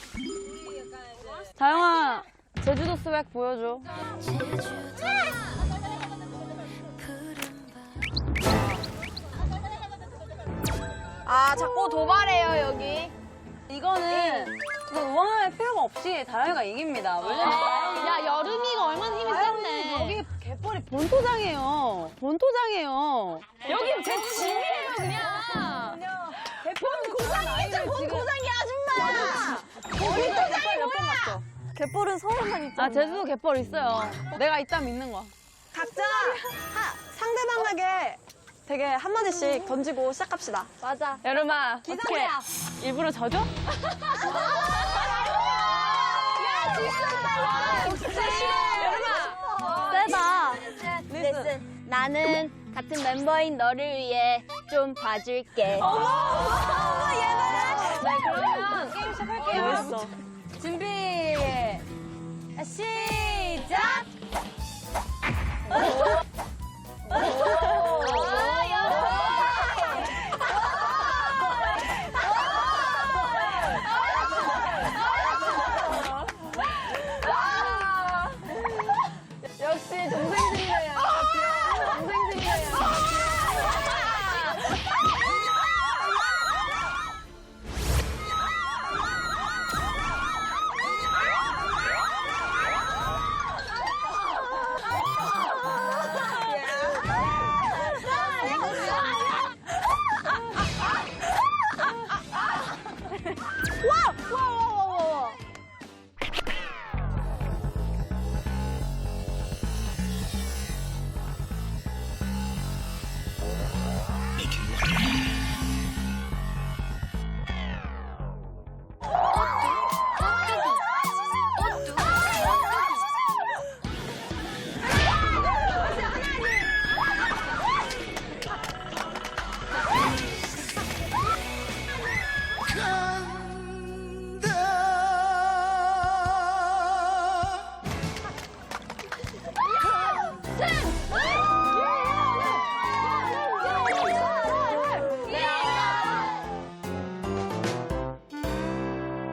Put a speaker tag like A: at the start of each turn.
A: 다영아, 제주도 스웩 보여줘.
B: 아, 자꾸 도발해요, 여기.
A: 이거는 응원할 필요가 없이 다영이가 이깁니다. 왜냐면 다영이
C: 야, 여름이가 얼마나 힘이 센데.
A: 여기 갯벌이 본토장이에요. 본토장이에요.
C: 여긴 제 집이에요, 그냥.
A: 본고장이겠죠, 본고장이 아줌마. 본토장이 뭐야? 갯벌은 서울만 있잖아. 아, 제주도 갯벌 있어요. 내가 있다면 있는 거야.
B: 각자 상대방에게 되게 한마디씩 던지고 시작합시다.
C: 맞아.
A: 여름아, 어떻게 일부러 져줘?
C: 야, 진짜
A: 세다.
C: 리슨. 나는 같은 멤버인 너를 위해 좀 봐줄게.
A: 네, 그러면 게임 시작할게요.
B: 멋있어.
A: 준비. 시작!